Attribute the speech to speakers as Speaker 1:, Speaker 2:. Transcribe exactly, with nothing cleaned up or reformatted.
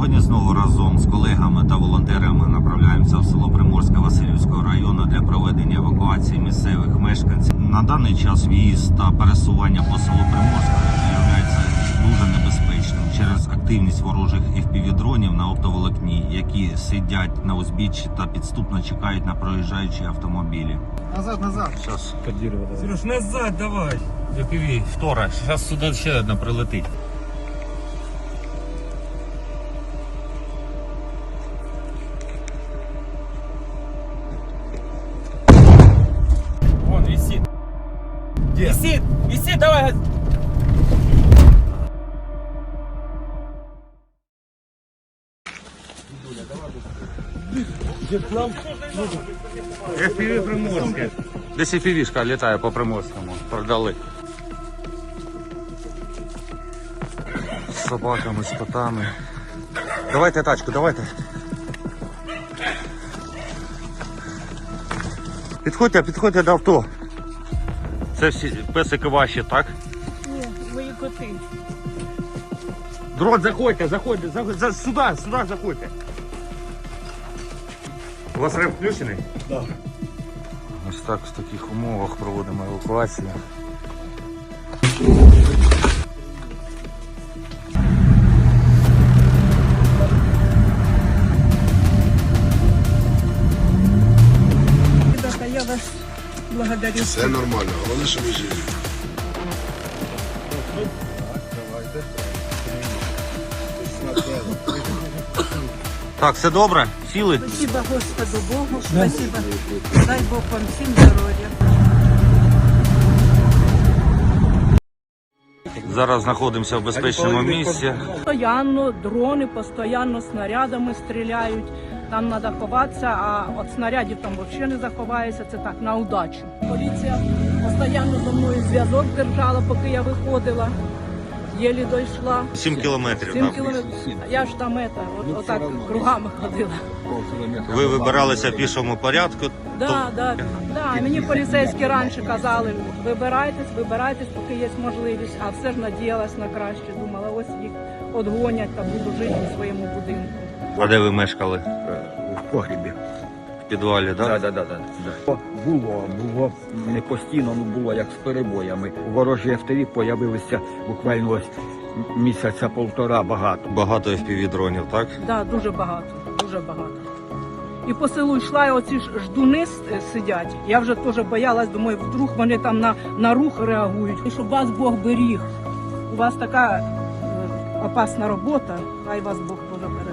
Speaker 1: Сьогодні знову разом з колегами та волонтерами направляємося в село Приморське Василівського району для проведення евакуації місцевих мешканців. На даний час в'їзд та пересування по селу Приморське є дуже небезпечним через активність ворожих еф пі ві-дронів на оптоволокні, які сидять на узбіччі та підступно чекають на проїжджаючі автомобілі.
Speaker 2: Назад, назад.
Speaker 1: Зараз.
Speaker 3: Сереж, назад давай.
Speaker 1: еф пі ві, втора. Зараз сюди ще одна прилетить.
Speaker 3: Вон висит.
Speaker 2: Где?
Speaker 3: Висит, висит, давай.
Speaker 1: еф пі ві Приморське. Десь еф пі ві-шка літає по Приморському. Продали. З собаками, з котами. Давайте тачку, давайте. Підходьте, підходьте до авто. Це всі песики ваші, так?
Speaker 4: Ні, мої коти.
Speaker 1: Дрон, заходьте, заходьте, заходьте, за- сюди, сюди заходьте. У вас реп включений?
Speaker 2: Да.
Speaker 1: Ось так, в таких умовах проводимо евакуацію.
Speaker 4: Ребята, я вас благодарю.
Speaker 5: Все нормально, головне, що ви живі.
Speaker 1: Так, все добре? Сіли?
Speaker 4: Спасибо Господу Богу, спасибо. Дай Бог вам всім здоров'я.
Speaker 1: Зараз знаходимося в безпечному місці.
Speaker 4: Постоянно дрони, постоянно снарядами стріляють. Там треба ховатися, а від снарядів там взагалі не заховаєшся, це так, на удачу. Поліція постійно зі мною зв'язок держала, поки я виходила. Єлі дійшла.
Speaker 1: Сім кілометрів.
Speaker 4: Сім
Speaker 1: так?
Speaker 4: кілометрів. Я ж там это, от, отак кругами ходила.
Speaker 1: Ви вибиралися в пішому порядку.
Speaker 4: Да, да, да. Мені поліцейські раніше казали, вибирайтесь, вибирайтесь, поки є можливість. А все ж надіялась на краще. Думала, ось їх одгонять та буду жити у своєму будинку.
Speaker 1: А де ви мешкали?
Speaker 6: В погрібі.
Speaker 1: В підвалі, так?
Speaker 6: Так, так, так. Було, було не постійно, ну було як з перебоями. Ворожі еф пі ві появилися буквально ось місяця полтора багато.
Speaker 1: Багато еф пі ві-дронів, так?
Speaker 4: Да, дуже багато, дуже багато. І по селу йшла, і оці ж ждуни с- сидять. Я вже теж боялась, думаю, вдруг вони там на, на рух реагують. І щоб вас Бог беріг. У вас така е, опасна робота, хай вас Бог Боже береже.